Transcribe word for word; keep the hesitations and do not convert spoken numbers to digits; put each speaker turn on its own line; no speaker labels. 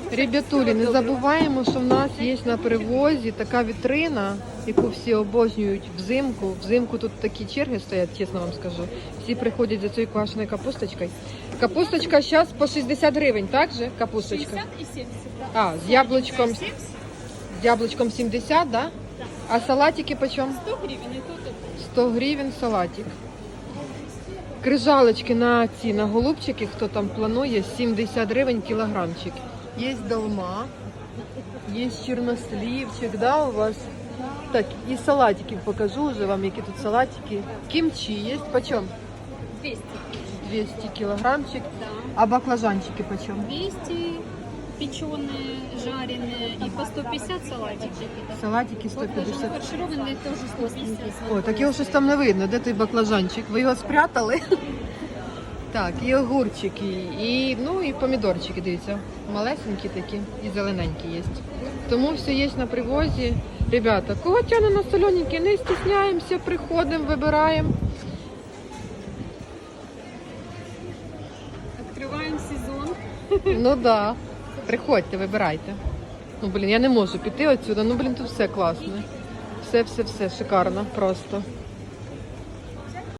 Ребятулі, не забуваємо, що в нас є на привозі така вітрина, яку всі обожнюють взимку. Взимку тут такі черги стоять, чесно вам скажу. Всі приходять за цією квашеною капусточкою. Капусточка зараз по шістдесят гривень, так же? Капусточка?
шістдесят і сімдесят, так.
А, з яблучком,
сімдесят,
з яблучком сімдесят, да?
так.
А салатики почем?
сто гривень і тут, і тут.
сто гривень салатик. Крижалочки на ці, на голубчики, хто там планує, сімдесят гривень кілограмчик. Є долма, є чорнослівчик, да, у вас? Так, і салатики покажу вже вам, які тут салатики. Кімчі є, почем?
двісті.
двісті кілограмчик.
Да.
А баклажанчики почем?
двісті печеные, жареные и по сто пятьдесят салатики.
Салатики сто
Вот даже
п'ятдесят.
фаршированные тоже сто пятьдесят.
О, так його щось там не видно. Де той баклажанчик? Ви його спрятали? Так, і огурчики, і, ну, і помідорчики, дивіться. Малесенькі такі і зелененькі є. Тому все є на привозі. Ребята, кого тягне на солененькі, не стісняємося, приходимо, вибираємо.
Открываем сезон.
Ну да. Приходьте, вибирайте. Ну, блін, я не можу піти отсюди. Ну, блін, тут все класно. Все, все, все шикарно просто.